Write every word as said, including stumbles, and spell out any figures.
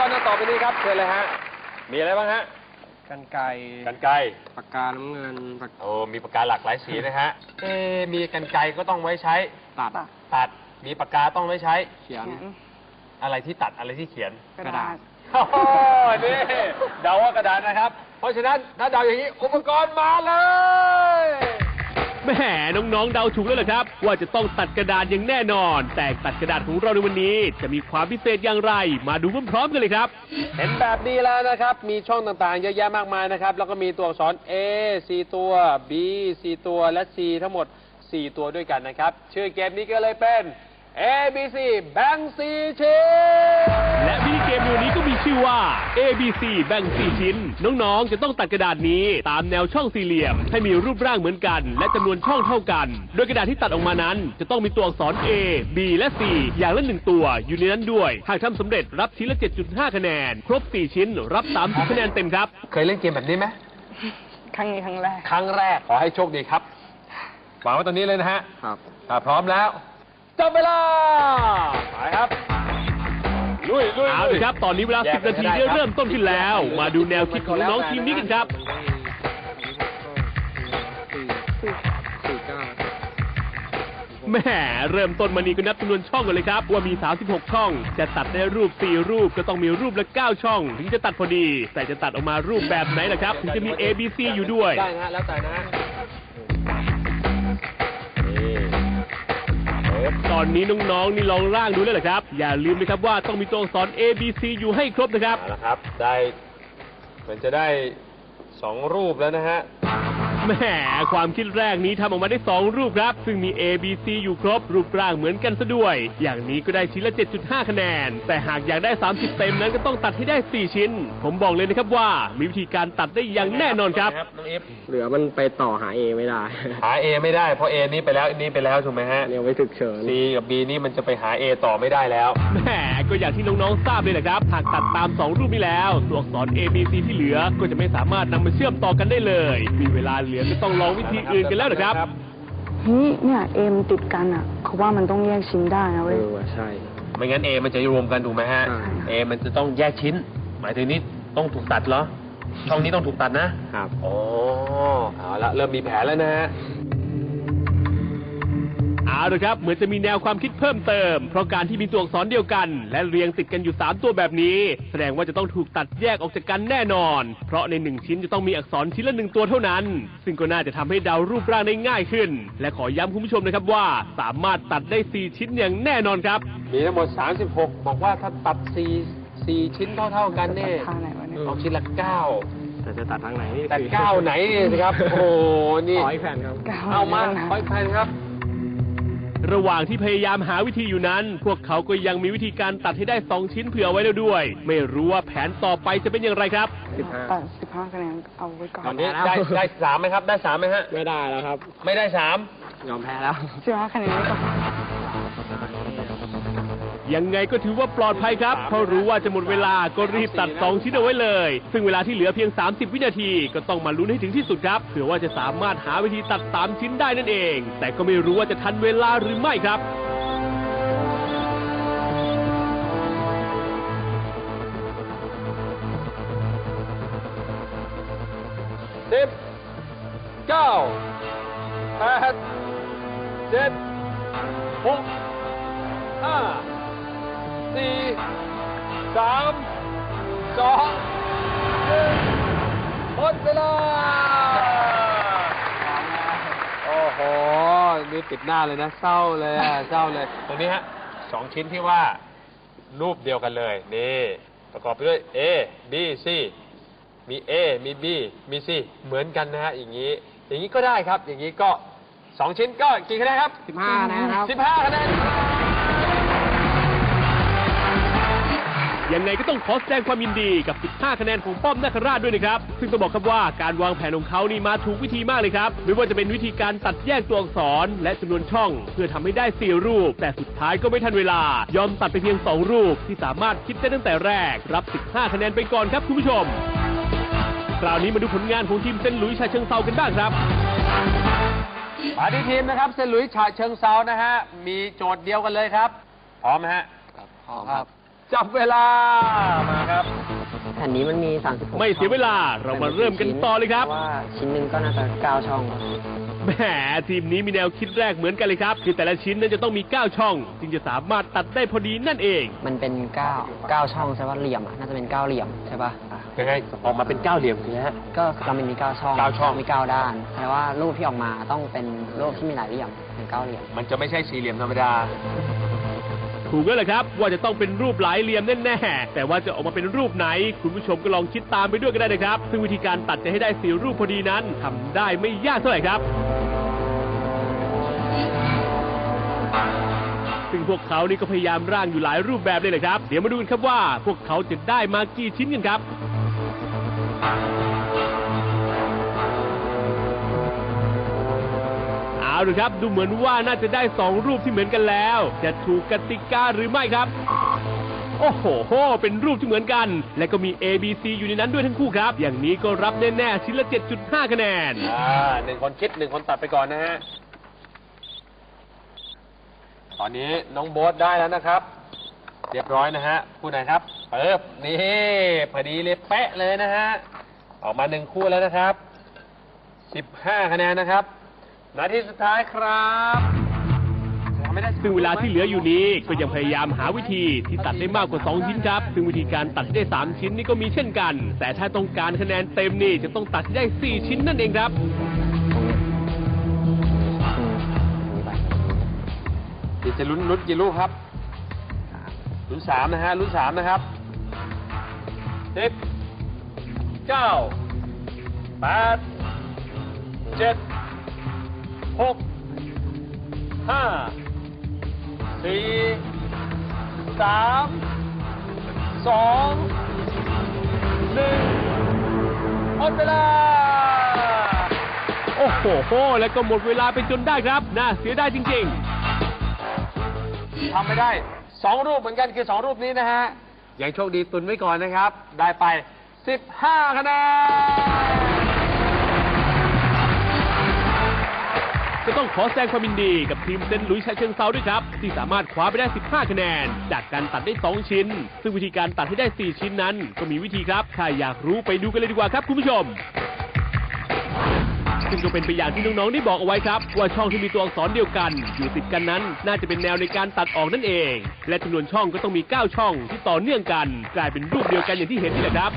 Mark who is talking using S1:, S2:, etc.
S1: รณ์ต่อไปนี้ครับเชิญเลยฮะมีอะไรบ้างฮะ
S2: กรรไกร
S1: กรรไกร
S2: ปากกาน้ำเงิน
S1: โอ้มีปากกาหลากหลายสีนะฮะเอมีกรรไกรก็ต้องไว้ใช้
S2: ตัด
S1: ตัดมีปากกาต้องไว้ใช้
S2: เขียน
S1: อะไรที่ตัดอะไรที่เขียน
S2: กระดาษ
S1: โอ้โหนี่เดาว่ากระดาษนะครับเพราะฉะนั้นถ้าเดาอย่างนี้อุปกรณ์มาเลย
S3: แหมน้องๆเดาถูกแล้วเหรอครับว่าจะต้องตัดกระดาษอย่างแน่นอนแต่ตัดกระดาษของเราในวันนี้จะมีความพิเศษอย่างไรมาดูพร้อมๆกันเลยครับ
S1: เห็นแบบนี้แล้วนะครับมีช่องต่างๆเยอะแยะมากมายนะครับแล้วก็มีตัวอักษร A สี่ตัว B สี่ตัวและ C ทั้งหมดสี่ตัวด้วยกันนะครับชื่อเกมนี้ก็เลยเป็น A B C แบ่งสี่ชิ้น
S3: และมินิเกมในวันนี้ก็มีชื่อว่า A B C แบ่งสี่ชิ้นน้องๆจะต้องตัดกระดาษนี้ตามแนวช่องสี่เหลี่ยมให้มีรูปร่างเหมือนกันและจำนวนช่องเท่ากันโดยกระดาษที่ตัดออกมานั้นจะต้องมีตัวอักษร A B และ C อย่างละหนึ่งตัวอยู่ในนั้นด้วยหากทำสำเร็จรับชิ้นละ เจ็ดจุดห้า คะแนนครบสี่ชิ้นรับสามสิบคะแนนเต็มครับ
S1: เคยเล่นเกมแบบนี้ไหม
S4: ครั้งนี้ครั้งแรก
S1: ครั้งแรกขอให้โชคดีครับวางไว้ตรงนี้เลยนะฮะ
S2: ครับ
S1: ถ้าพร้อมแล้วจับเวลาไปครับลุยลุย
S3: เอาเลยครับตอนนี้เวลาสิบนาทีได้เริ่มต้นขึ้นแล้วมาดูแนวคิดของน้องทีมนี้กันครับแหมเริ่มต้นมานี่ก็นับจำนวนช่องกันเลยครับว่ามีสามสิบหกช่องจะตัดได้รูปสี่รูปก็ต้องมีรูปละเก้าช่องถึงจะตัดพอดีแต่จะตัดออกมารูปแบบไหนล่ะครับถึงจะมี A B C อยู่ด้วย
S1: ได้นะแล้วแต่นะ
S3: ตอนนี้น้องๆนี่ลองร่างดูแล้วเหรอครับอย่าลืมนะครับว่าต้องมีตัวอักษร A B C อยู่ให้ครบนะครับ
S1: เอาละครับได้มันจะได้สองรูปแล้วนะฮะ
S3: แหมความคิดแรกนี้ทำออกมาได้สองรูปครับซึ่งมี A B C อยู่ครบรูปร่างเหมือนกันซะด้วยอย่างนี้ก็ได้ชิ้นละ เจ็ดจุดห้า คะแนนแต่หากอยากได้สามสิบเต็มนั้นก็ต้องตัดให้ได้สี่ชิ้นผมบอกเลยนะครับว่ามีวิธีการตัดได้อย่างแน่นอนครับ
S1: น้องเอฟ
S2: เหลือมันไปต่อหา A ไม่ได้
S1: หา A ไม่ได้เพราะ A นี้ไปแล้วนี้ไปแล้วถูกไหมฮะ
S2: เนี่ยไว้ถึกเฉิน
S1: C กับ B นี่มันจะไปหา A ต่อไม่ได้แล้ว
S3: แหมก็อย่างที่น้องๆทราบเลยแหละครับหากตัดตามสองรูปนี้แล้วตัวอักษร A B C ที่เหลือก็จะไม่สามารถนำมาเชื่อมต่อกันได้เลยมีเวลาเหลือก็ต้องลองวิธีอื่นกันแล้วนะครับ
S4: เฮ้ยเนี่ยเอมติดกันอ่ะเขาว่ามันต้องแยกชิ้นได้นะเว้ย
S2: เออใช่
S1: ไม่งั้น A มันจะรวมกันถูกไหมฮะ A มันจะต้องแยกชิ้นหมายถึงนี้ต้องถูกตัดเหรอช่องนี้ต้องถูกตัดนะครับโอ้เอาละเริ่มมีแผนแล้วนะฮะ
S3: เอาละครับเหมือนจะมีแนวความคิดเพิ่มเติมเพราะการที่มีตัวอักษรเดียวกันและเรียงติดกันอยู่สามตัวแบบนี้แสดงว่าจะต้องถูกตัดแยกออกจากกันแน่นอนเพราะในหนึ่งชิ้นจะต้องมีอักษรชิ้นละหนึ่งตัวเท่านั้นซึ่งก็น่าจะทำให้เดารูปร่างได้ง่ายขึ้นและขอย้ำคุณผู้ชมนะครับว่าสามารถตัดได้สี่ชิ้นอย่างแน่นอนครับ
S1: มีทั้งหมดสามสิบหกบอกว่าถ้าตัดสี่ สี่ชิ้นเท่าๆกันเนี่ยเอาชิ้นละเก้า
S2: แต่จะตัดทางไหนนี่
S1: ตัดเก้าไหนสิครับโอ้นี่
S2: ขออีกแผ่นครับ
S1: เอามาขออีกแผ่นครับ
S3: ระหว่างที่พยายามหาวิธีอยู่นั้นพวกเขาก็ยังมีวิธีการตัดให้ได้สองชิ้นเผื่อไว้แล้วด้วยไม่รู้ว่าแผนต่อไปจะเป็นอย่างไรครับ
S4: สิบห้าสิบห้าคะแนนเอาไว้ก่อน
S1: ตอนนี้ได้ได้สามไหมครับได้สามไหมฮะ
S2: ไม่ได้แล้วครับ
S1: ไม่ได้สาม
S2: ยอมแพ้แล้ว
S4: สิบห้าคะแนนไว้ก่อน
S3: ยังไงก็ถือว่าปลอดภัยครับเพราะรู้ว่าจะหมดเวลาก็รีบตัดสองชิ้นเอาไว้เลยซึ่งเวลาที่เหลือเพียงสามสิบวินาทีก็ต้องมาลุ้นให้ถึงที่สุดครับเผื่อว่าจะสามารถหาวิธีตัดสามชิ้นได้นั่นเองแต่ก็ไม่รู้ว่าจะทันเวลาหรือไม่ครับ
S1: สิบเก้าแปดเจ็ดหกห้าสี่สามสองหนึ่งหมดเวลาโอ้โหนี่ติดหน้าเลยนะเศร้าเลยเศร้าเลยตรงนี้ฮะสองชิ้นที่ว่ารูปเดียวกันเลยนี่ประกอบไปด้วย A B C มี A มี B มี C เหมือนกันนะฮะอย่างนี้อย่างนี้ก็ได้ครับอย่างนี้ก็สองชิ้นก็กี่คะแนนครับ
S2: สิบห้านะครับ
S1: สิบห้าคะแนน
S3: ยังไงก็ต้องขอแสดงความยินดีกับสิบห้าคะแนนของป้อมนาคราชด้วยนะครับซึ่งต้องบอกครับว่าการวางแผนของเขานี่มาถูกวิธีมากเลยครับไม่ว่าจะเป็นวิธีการตัดแยกตัวอักษรและจำนวนช่องเพื่อทำให้ได้สี่รูปแต่สุดท้ายก็ไม่ทันเวลายอมตัดไปเพียงสองรูปที่สามารถคิดได้ตั้งแต่แรกรับสิบห้าคะแนนไปก่อนครับคุณผู้ชมคราวนี้มาดูผลงานของทีมเซนต์หลุยส์ฉะเชิงเทรากันบ้างครับ
S1: มาที่ทีมนะครับเซนต์หลุยส์ฉะเชิงเทรานะฮะมีโจทย์เดียวกันเลยครับพร้อมไหมฮะ
S2: พร้อมครับ
S1: จับเวลามาครับ
S2: แผ่นนี้มันมีสามสิบหก
S3: ไม่เสียเวลาเรามาเริ่มกันต่อเลยครับ
S2: พาะว่าชิ้นหนึ่งก็น่าจะเก้าช่อง
S3: แหมทีมนี้มีแนวคิดแรกเหมือนกันเลยครับคือแต่ละชิ้นนั้นจะต้องมีเก้าช่อง จึงจะสามารถตัดได้พอดีนั่นเอง
S2: มันเป็นเก้าเก้าช่องใช่ป่ะเหลี่ยมอะน่าจะเป็นเก้าเหลี่ยมใช่ป่ะ
S1: ยังไงออกมาเป็นเก้าเหลี่ยมนะฮะ
S2: ก็เรามันมีเก้าช่อง
S1: เก้าช่อง
S2: มีเก้าด้านแปลว่ารูปที่ออกมาต้องเป็นรูปที่มีหลายเหลี่ยมเป็นเก้าเหลี่ยม
S1: มันจะไม่ใช่สี่เหลี่ยมธรรมดา
S3: ถูกแล้วแหละครับว่าจะต้องเป็นรูปหลายเหลี่ยมแน่ๆแต่ว่าจะออกมาเป็นรูปไหน คุณผู้ชมก็ลองคิดตามไปด้วยก็ได้นะครับ ซึ่งวิธีการตัดจะให้ได้สี่รูปพอดีนั้นทำได้ไม่ยากเท่าไหร่ครับ ซึ่งพวกเขานี่ก็พยายามร่างอยู่หลายรูปแบบเลยแหละครับ เดี๋ยวมาดูกันครับว่าพวกเขาจะได้มากี่ชิ้นกันครับ เอาละครับดูเหมือนว่าน่าจะได้สองรูปที่เหมือนกันแล้ว จะถูกกติกาหรือไม่ครับ โอ้โหโหเป็นรูปที่เหมือนกัน และก็มี A B C อยู่ในนั้นด้วยทั้งคู่ครับ อย่างนี้ก็รับแน่ๆชิ้นละ เจ็ดจุดห้า คะแนน
S1: อ่าหนึ่งคนคิดหนึ่งคนตัดไปก่อนนะฮะ ตอนนี้น้องโบ๊ทได้แล้วนะครับ เรียบร้อยนะฮะคู่ไหนครับเปิบนี่พอดีเลยเป๊ะเลยนะฮะ ออกมาหนึ่งคู่แล้วนะครับสิบห้าคะแนนนะครับนาทีสุดท้ายครับไม่ได้
S3: ซึ่งเวลาที่เหลืออยู่นี้ก็ยังพยายามหาวิธีที่ตัดได้มากกว่าสองชิ้นครับ ซึ่งวิธีการตัดให้ได้สามชิ้นนี่ก็มีเช่นกัน แต่ถ้าต้องการคะแนนเต็มนี่จะต้องตัดให้ได้สี่ชิ้นนั่นเองครับ
S1: เดี๋ยวจะลุ้นลุ้นกี่ลูกครับลุ้นสามนะฮะลุ้นสามนะครับสิบเก้าแปดเจ็ดหกห้าสี่สามสองหนึ่งหมดเวลา
S3: โอ้โหโหแล้วก็หมดเวลาไปจนได้ครับ น่าเสียดายจริงๆ
S1: ทำไม่ได้สองรูปเหมือนกันคือสองรูปนี้นะฮะยังโชคดีตุนไว้ก่อนนะครับ ได้ไปสิบห้าคะแนน
S3: ก็ต้องขอแสดงความยินดีกับทีมเซนต์หลุยส์ฉะเชิงเซาด้วยครับ ที่สามารถคว้าไปได้สิบห้าคะแนน จากการตัดได้สองชิ้น ซึ่งวิธีการตัดให้ได้สี่ชิ้นนั้นก็มีวิธีครับ ถ้าอยากรู้ไปดูกันเลยดีกว่าครับคุณผู้ชม ซึ่งก็เป็นไปอย่างที่น้องๆได้บอกเอาไว้ครับ ว่าช่องที่มีตัวอักษรเดียวกัน อยู่ติดกันนั้นน่าจะเป็นแนวในการตัดออกนั่นเอง และจำนวนช่องก็ต้องมีเก้าช่องที่ต่อเนื่องกัน กลายเป็นรูปเดียวกันอย่างที่เห็นนี่แหละครับ